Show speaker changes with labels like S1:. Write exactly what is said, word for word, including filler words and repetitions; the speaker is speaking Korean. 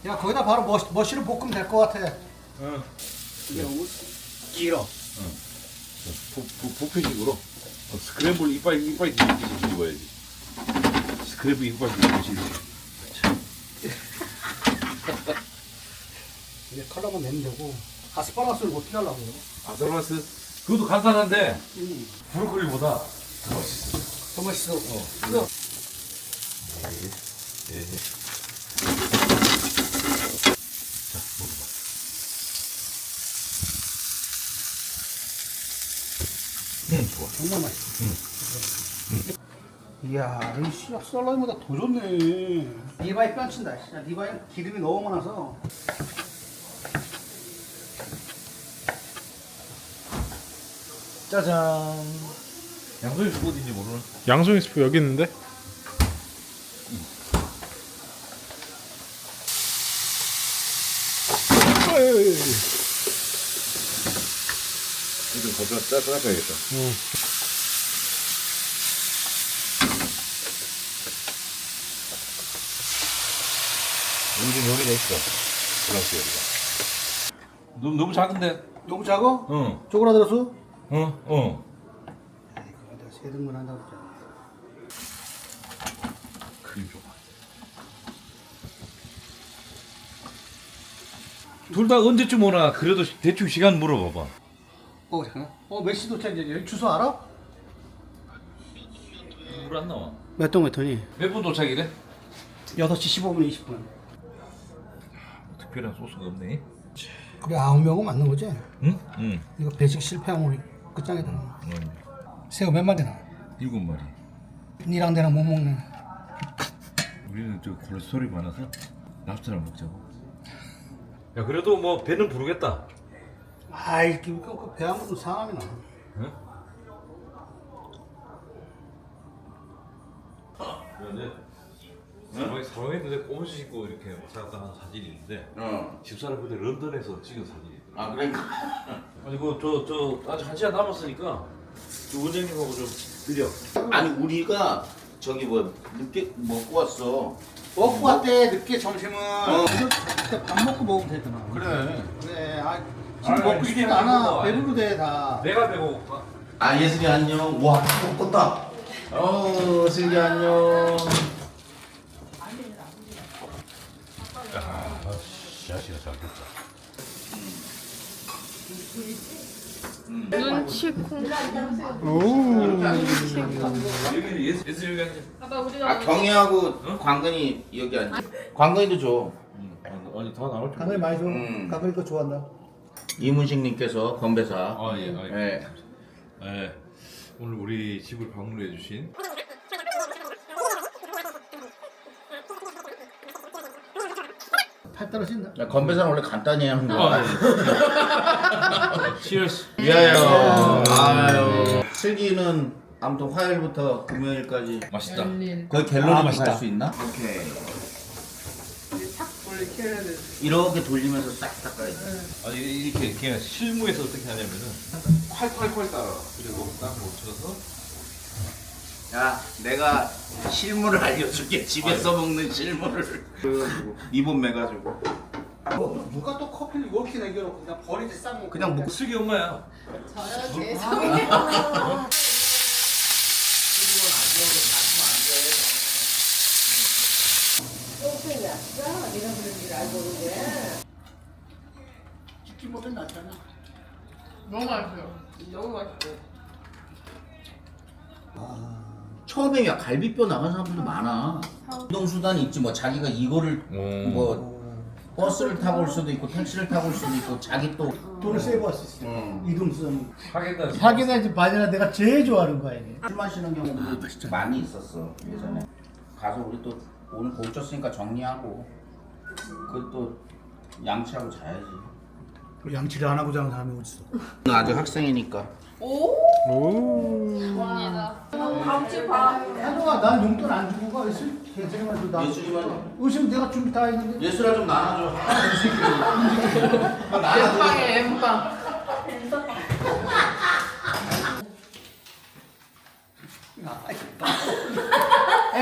S1: 야 거기다 바로 머시, 머시를 볶으면 될 것 같아.
S2: 응.
S1: 이게 너무 길어.
S2: 부패식으로 어, 스크램블 이빨 이빨 뒤집듯이 뒤집어야지. 스크램블 이빨 뒤집듯이.
S1: 이제 컬러만 내면 되고. 아스파라거스를 어떻게 하려고요?
S2: 아스파라거스 그것도 간단한데
S1: 음.
S2: 브로콜리보다
S1: 더 맛있어.
S2: 어.
S1: 그거.
S2: 예. 예. 자 먹어봐. 음 좋아.
S1: 정말 맛있어. 응. 이야, 이 씨, 썰라이보다 더 좋네. 리바이 뺨친다. 야, 리바이 기름이 너무 많아서.
S2: 짜잔. 양손이 스프 어딘지 모르는.
S3: 양송이 스프 여기 있는데?
S2: 이거 좀 짜짜야겠다.
S1: 응.
S2: 여기 여기다 있어. 플러스 여기가. 너무 너무 작은데.
S1: 너무 작아?
S2: 응.
S1: 쪼그라들었어?
S2: 응. 응.
S1: 아이, 그거 내가 세 등분 한다고 그랬잖아.
S2: 크림 좋아. 둘 다 언제쯤 오나 그래도 대충 시간 물어봐봐.
S1: 어, 잠깐. 어, 몇 시 도착이지? 여기 주소 알아?
S2: 물 안 나와.
S1: 몇 동 몇 톤이?
S2: 몇 분 도착이래?
S1: 여섯 시 십오 분, 이십 분.
S2: 특별한 소스가 없네.
S1: 그래, 아홉 명은 맞는 거지?
S2: 응? 응.
S1: 이거 배식 실패하면 우리 끝장이다.
S2: 응.
S1: 새우 몇 마리나?
S2: 일곱 마리.
S1: 니랑 내랑 못 먹네.
S2: 우리는 저 콜레스테롤이 많아서 랍스터를 먹자고. 야 그래도 뭐 배는 부르겠다.
S1: 아이, 배한 번도 상함이 나.
S2: 응? 그런데 사망 사망했는데 꼬무지 신고 이렇게 왔다 갔다 한 사진이 있는데
S4: 어.
S2: 집사람 그때 런던에서 찍은 사진이 있더라고.
S4: 아 그러니까.
S2: 아니 그저저 아직 한 시간 남았으니까 저 원장님하고 좀 드려.
S4: 아니 우리가 저기 뭐 늦게 먹고 왔어.
S1: 먹고 왔대, 늦게 점심은.
S4: 어.
S1: 그때 밥 먹고 먹으면 되잖아.
S4: 그래.
S1: 그래, 아, 지금
S2: 아니,
S1: 먹고
S2: 아니,
S1: 싶지도
S2: 이게
S1: 않아.
S2: 배고파.
S1: 배부르대, 다.
S2: 내가 배고파.
S4: 아 예슬이 안녕. 와 떴다. 어 슬기 안녕.
S2: 야, 자식아 잘 됐다.
S5: 눈치콩.
S2: 여기 예스 예스 여기 앉아.
S5: 아빠 우리가
S4: 아 경희하고 광근이 여기 앉아. 광근이도 줘.
S2: 응. 아니 다 나올 줄.
S1: 가글 많이 줘.
S4: 음.
S1: 가글 거 좋아한다.
S4: 이문식님께서 건배사.
S2: 아 예. 아,
S4: 예.
S2: 예. 오늘 우리 집을 방문해 주신
S1: 팔 떨어진다.
S4: 야, 건배사는 원래 간단히 하는
S2: 아,
S4: 거야.
S2: 예. 치얼스.
S4: 미안해요. 아유. 슬기는 아무튼 화요일부터 금요일까지
S2: 맛있다.
S4: 거의 갤러리
S1: 아, 맛있다.
S4: 갈 수 있나? 오케이. 이렇게 돌리면서 싹 닦아야 돼.
S2: 아니 이렇게 그냥 실무에서 어떻게 하냐면은 콸콸콸 따라 그리고 딱 묻혀서
S4: 야, 내가 실물을 알려줄게. 집에서 먹는 실물을. 이번 매가지고.
S1: 어, 누가 또 커피를 이렇게 남겨놓고 그냥 버리지 싹
S4: 그냥 뭐
S2: 슬기 엄마야.
S5: 저요 죄송해요.
S1: 치킨 먹으면 낫잖아.
S5: 너무 맛있어요. 너무 맛있어요.
S4: 처음에 야 갈비뼈 나간 사람들도 많아. 이동 수단이 있지 뭐 자기가 이거를
S2: 음.
S4: 뭐 버스를 타고 올 수도 있고 택시를 타고 올 수도 있고 자기 또
S1: 돈을 세이브할 수 있어.
S4: 음.
S1: 이동수단.
S2: 하겠다.
S1: 사기나 반이나 내가 제일 좋아하는 거야 이게.
S4: 술 마시는 경우도 많이 있었어 예전에. 가서 우리 또 오늘 고쳤으니까 정리하고 그것도 양치하고 자야지.
S1: 우리 양치를 안 하고 자는 사람이 어딨어.
S4: 나 아직 학생이니까.
S5: 오.
S3: 오.
S5: 감사합니다. 다음 주에 봐.
S1: 한동안 난 용돈 안 주고 가. 예술 괜찮으면 줘. 나.
S4: 예술이만
S1: 의심 내가 준비 다 했는데.
S4: 예술아 좀 나눠줘.
S5: 엠빵에 엠빵.
S1: 아,